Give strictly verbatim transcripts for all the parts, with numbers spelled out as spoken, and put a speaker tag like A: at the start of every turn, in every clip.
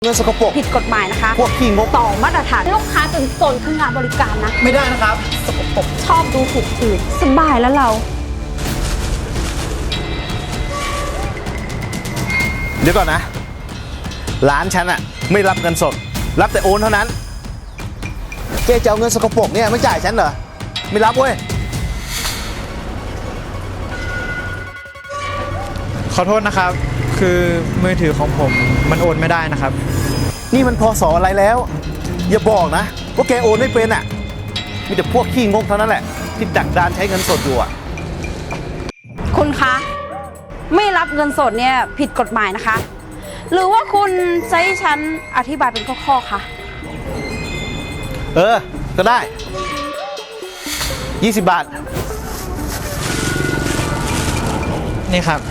A: เงินสกปรก
B: ผิดกฎหมายนะคะ
A: พวกขี้งก
B: ต่อมาตรฐานลูกค้าจนจนคืองานบริการนะ
A: ไม่ได้นะครับสกปรก
B: ชอบดูถูกอื่นสบายแล้วเรา
A: เดี๋ยวก่อนนะร้านฉันอะไม่รับเงินสดรับแต่โอนเท่านั้นเจ๊จะเอาเงินสกปรกเนี่ยไม่จ่ายฉันเหรอไม่รับเว้ย
C: ขอโทษนะครับคือมือถือของผมมันโอนไม่ได้นะครับ
A: นี่มันพศอะไรแล้วอย่าบอกนะว่าแกโอนไม่เป็นอ่ะมีแต่พวกขี้งกเท่านั้นแหละที่ดักดานใช้เงินสดอยู่อ่ะ
B: คุณคะไม่รับเงินสดเนี่ยผิดกฎหมายนะคะหรือว่าคุณจะให้ฉันอธิบายเป็นข้อๆคะ
A: เออก็ได้ยี่สิบบาท
C: นี่ครับ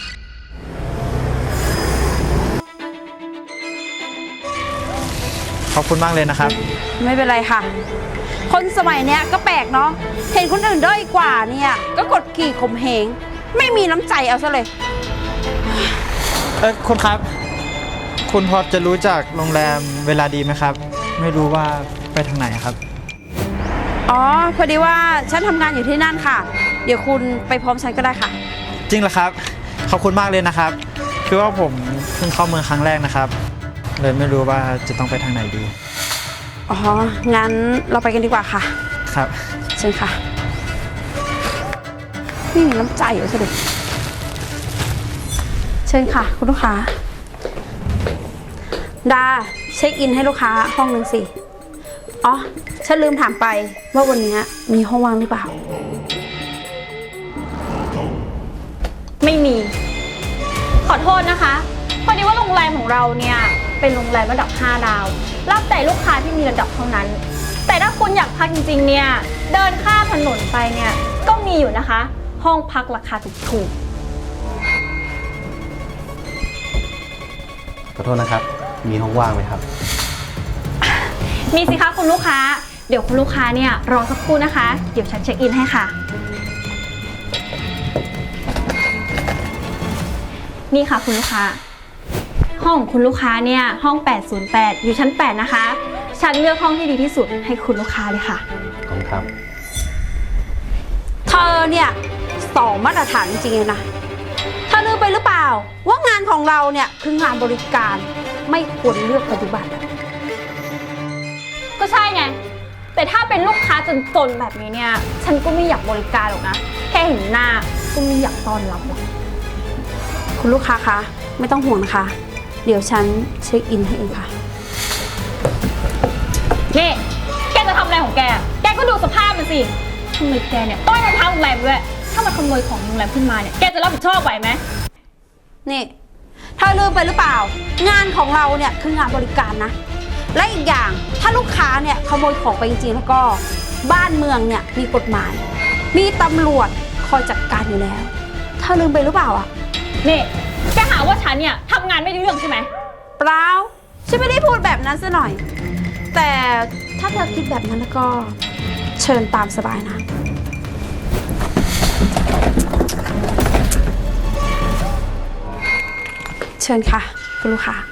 C: ขอบคุณมากเลยนะครับ
B: ไม่เป็นไรค่ะคนสมัยเนี้ยก็แปลกเนาะเห็นคนอื่นด้อยกว่าเนี่ยก็กดขี่ข่มเหงไม่มีน้ำใจเอาซะเลย
C: เออคุณครับคุณพอจะรู้จักโรงแรมเวลาดีไหมครับไม่รู้ว่าไปทางไหนครับ
B: อ๋อพอดีว่าฉันทำงานอยู่ที่นั่นค่ะเดี๋ยวคุณไปพร้อมฉันก็ได้ค่ะ
C: จริงเหรอครับขอบคุณมากเลยนะครับคือว่าผมเพิ่งเข้าเมืองครั้งแรกนะครับเลยไม่รู้ว่าจะต้องไปทางไหนดี
B: อ๋องั้นเราไปกันดีกว่าค่ะ
C: ครับ
B: เชิญค่ะไม่มีน้ำใจเหรอสิเชิญค่ะคุณลูกค้าดาเช็คอินให้ลูกค้าห้องหนึ่งสิอ๋อฉันลืมถามไปว่าวันนี้มีห้องว่างหรือเปล่า
D: ไม่มีขอโทษนะคะพอดีว่าโรงแรมของเราเนี่ยเป็นโรงแรมระดับห้าดาวรับแต่ลูกค้าที่มีระดับเท่านั้นแต่ถ้าคุณอยากพักจริงๆเนี่ยเดินข้ามถนนไปเนี่ยก็มีอยู่นะคะห้องพักราคาถูก
A: ขอโทษนะครับมีห้องว่างไหมครับ
D: มีสิคะคุณลูกค้าเดี๋ยวคุณลูกค้าเนี่ยรอสักครู่นะคะเดี๋ยวฉันเช็คอินให้ค่ะนี่ค่ะคุณลูกค้าห้องของคุณลูกค้าเนี่ยห้องแปดศูนย์แปดอยู่ชั้นแปดนะคะฉันเลือกห้องที่ดีที่สุดให้คุณลูกค้าเลยค่ะ
A: ขอบคุณครับ
B: เธอเนี่ยสองมาตรฐานจริงๆเลยนะเธอลืมไปหรือเปล่าว่างานของเราเนี่ยคืองานบริการไม่ควรเลือกปฏิบัติ
D: ก็ใช่ไงแต่ถ้าเป็นลูกค้าจนๆแบบนี้เนี่ยฉันก็ไม่อยากบริการหรอกนะแค่เห็นหน้าก็ไม่อยากต้อนรับหรอก
B: คุณลูกค้าคะไม่ต้องห่วงนะคะเดี๋ยวฉันเช็คอินให้เองค่ะ
D: นี่แกจะทำอะไรของแกแกก็ดูสภาพมันสิทำไมแกเนี่ยต้อยรองเท้าโรงแรมด้วยถ้ามันขโมยของโรงแรมขึ้นมาเนี่ยแกจะรับผิดชอบไหวไหม
B: นี่เธอลืมไปหรือเปล่างานของเราเนี่ยคืองานบริการนะและอีกอย่างถ้าลูกค้าเนี่ยขโมยของไปจริงๆแล้วก็บ้านเมืองเนี่ยมีกฎหมายมีตำรวจคอยจัดการอยู่แล้วเธอลืมไปหรือเปล่าอ่ะ
D: นี่แกหาว่าฉันเนี่ยทำงานไม่ได้เรื่องใช่ไหม
B: เปล่าฉันไม่ได้พูดแบบนั้นซะหน่อยแต่ถ้าเธอคิดแบบนั้นแล้วก็เชิญตามสบายนะเชิญค่ะคุณลูกค้า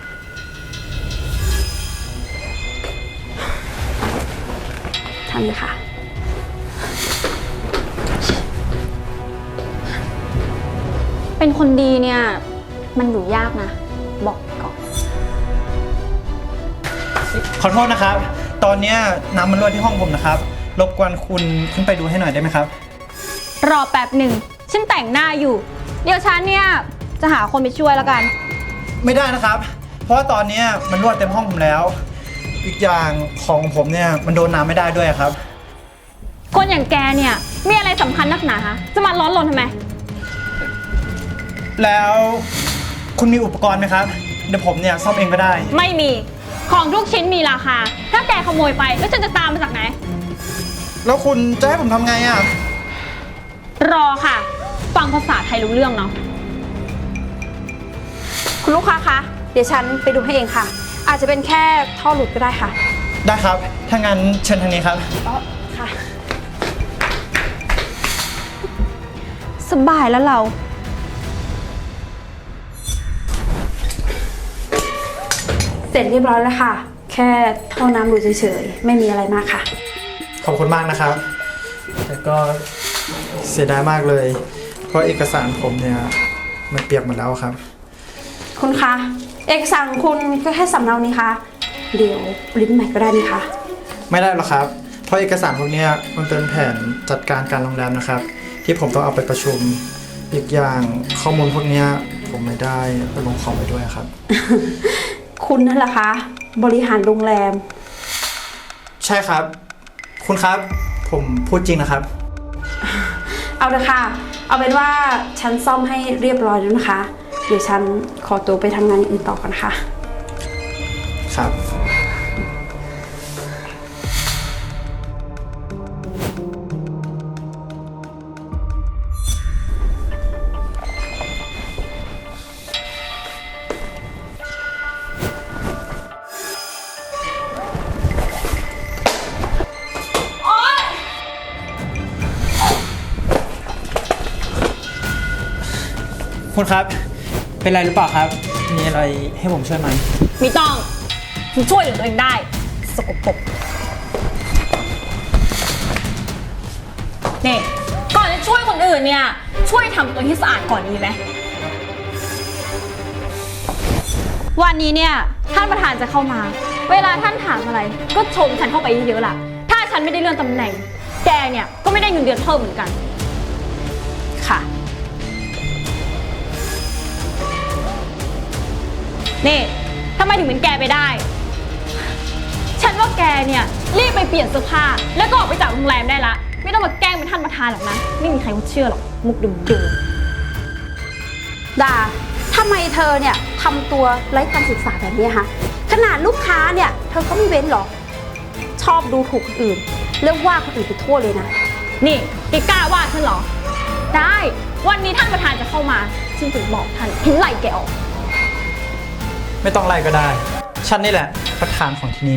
B: ทางนี้ค่ะ
D: เป็นคนดีเนี่ยมันอยู่ยากนะบอกก่อน
C: ขอโทษนะครับตอนนี้น้ำมันรั่วที่ห้องผมนะครับรบกวนคุณขึ้นไปดูให้หน่อยได้ไหมครับ
D: รอแป๊บหนึ่งฉันแต่งหน้าอยู่เดี๋ยวฉันเนี่ยจะหาคนไปช่วยแล้วกัน
C: ไม่ได้นะครับเพราะว่าตอนนี้มันรั่วเต็มห้องผมแล้วอีกอย่างของผมเนี่ยมันโดนน้ำไม่ได้ด้วยครับ
D: คนอย่างแกเนี่ยมีอะไรสำคัญนักหนาฮะจะมาร้อนรนทำไม
C: แล้วคุณมีอุปกรณ์ไหมครับเดี๋ยวผมเนี่ยซ่อมเองก็ได้
D: ไม่มีของทุกชิ้นมีราคาถ้าแกขโมยไปแล้วฉันจะตามมาจากไหน
C: แล้วคุณจะให้ผมทำไงอ่ะ
D: รอค่ะฟังภาษาไทยรู้เรื่องเนาะ
B: คุณลูกค้าคะเดี๋ยวฉันไปดูให้เองค่ะอาจจะเป็นแค่ท่อหลุดก็ได้ค่ะ
C: ได้ครับถ้างั้นเชิญทางนี้ครับ
B: อ๋อค่ะสบายแล้วเราเสร็จเรียบร้อยแล้วค่ะ แค่ท่อน้ำรูเฉยๆ ไม่มีอะไรมากค่ะ
C: ขอบคุณมากนะครับ แต่ก็เสียดายมากเลย เพราะเอกสารผมเนี่ยมันเปียกหมดแล้วครับ
B: คุณคะ เอกสารคุณก็แค่สำเนานี้คะ เดี๋ยวปริ้นใหม่ก็ได้นี่คะ
C: ไม่ได้หรอกครับ เพราะเอกสารพวกเนี้ยมันเป็นแผนจัดการการโรงแรมนะครับ ที่ผมต้องเอาไปประชุม อีกอย่างข้อมูลพวกเนี้ยผมไม่ได้ไปลงคอมไปด้วยครับ
B: คุณนั่นแหละคะ บริหารโรงแรม
C: ใช่ครับ คุณครับ ผมพูดจริงนะครับ
B: เอาเลยค่ะ เอาเป็นว่าฉันซ่อมให้เรียบร้อยแล้วนะคะ เดี๋ยวฉันขอตัวไปทำงานอย่างอื่นต่อกันค่ะ
C: ครับ คุณครับ เป็นไรหรือเปล่าครับ มีอะไรให้ผมช่วยไหม
D: ไม่ต้องฉันช่วยเหลือตัวเองได้ สกปรกนี่ก่อนจะช่วยคนอื่นเนี่ย ช่วยทำตัวให้สะอาดก่อนดีไหม วันนี้เนี่ยท่านประธานจะเข้ามา เวลาท่านถามอะไร ก็ชมฉันเข้าไปเยอะๆล่ะ ถ้าฉันไม่ได้เลื่อนตำแหน่ง แกเนี่ยก็ไม่ได้เงินเดือนเพิ่มเหมือนกัน
B: ค่ะ
D: นี่ทำไมถึงเป็นแกไปได้ ฉันว่าแกเนี่ยรีบไปเปลี่ยนเสื้อผ้าแล้วก็ออกไปจากโรงแรมได้ละ ไม่ต้องมาแกล้งเป็นท่านประธานหรอกนะ ไม่มีใครเขาเชื่อหรอก มุกเดิม
B: ดาทำไมเธอเนี่ยทำตัวไร้การศึกษาแบบนี้คะขนาดลูกค้าเนี่ย เธอก็ไม่เว้นหรอ ชอบดูถูกคนอื่นแล้วว่าคนอื่นไปทั่วเลยนะ
D: ๆนี่แกกล้าว่าฉันเหรอ ได้ วันนี้ท่านประธานจะเข้ามาฉันจะบอกท่านเห็นไหล่แกออก
C: ไม่ต้องไล่ก็ได้ ฉันนี่แหละ ประธานของที่นี่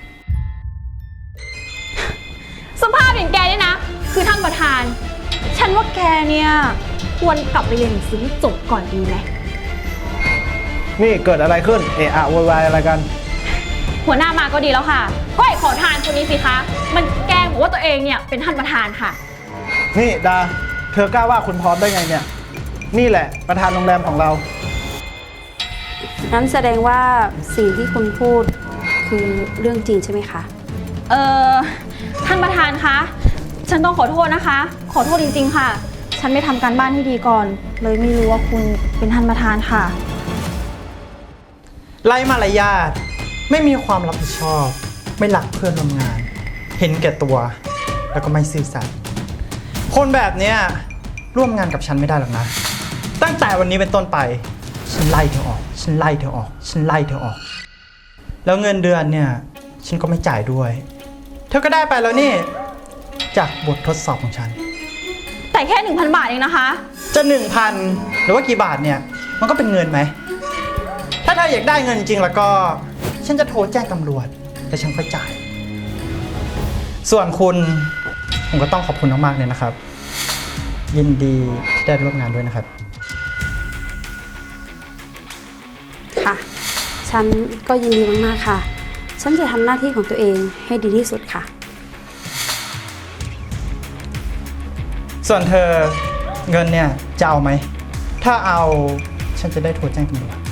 D: สภาพอย่างแกเนี่ยนะ คือท่านประธาน ฉันว่าแกเนี่ยควรกลับไปเรียนหนังสือให้จบก่อนดีไหม
A: นี่เกิดอะไรขึ้น เอะอะโวยวายอะไรกัน
D: หัวหน้ามาก็ดีแล้วค่ะ ก็ไอ้ขอทานคนนี้สิคะ มันแกล้งบอกว่าตัวเองเนี่ยเป็นท่านประธานค่ะ
A: นี่ดา เธอกล้าว่าคุณพร้อมได้ไงเนี่ย นี่แหละประธานโรงแรมของเรา
B: งั้นแสดงว่าสิ่งที่คุณพูดคือเรื่องจริงใช่ไหมคะ
D: เอ่อ ท่านประธานคะ ฉันต้องขอโทษนะคะ ขอโทษจริงๆค่ะ ฉันไม่ทำการบ้านให้ดีก่อน เลยไม่รู้ว่าคุณเป็นท่านประธานค่ะ
C: ไล่มารยาท ไม่มีความรับผิดชอบ ไม่หลักเพื่อนร่วมงาน เห็นแก่ตัว แล้วก็ไม่ซื่อสัตย์คนแบบเนี้ยร่วมงานกับฉันไม่ได้หรอกนะ ตั้งแต่วันนี้เป็นต้นไป ฉันไล่เธอออก ฉันไล่เธอออก ฉันไล่เธอออก แล้วเงินเดือนเนี่ยฉันก็ไม่จ่ายด้วย เธอก็ได้ไปแล้วนี่ จากบททดสอบของฉัน
D: แต่แค่ หนึ่งพัน บาทเองนะคะ
C: จะหนึ่งพันหรือว่ากี่บาทเนี่ยมันก็เป็นเงินไหม ถ้าเธออยากได้เงินจริงแล้วก็ ฉันจะโทรแจ้งตำรวจแต่ฉันค่อยจ่าย ส่วนคุณผมก็ต้องขอบคุณมากๆเลยนะครับ ยินดีที่ได้ร่วมงานด้วยนะครับ
B: ค่ะ ฉันก็ยินดีมากๆค่ะ ฉันจะทำหน้าที่ของตัวเองให้ดีที่สุดค่ะ
C: ส่วนเธอเงินเนี่ยจะเอาไหม ถ้าเอาฉันจะได้โทรแจ้งตำรวจ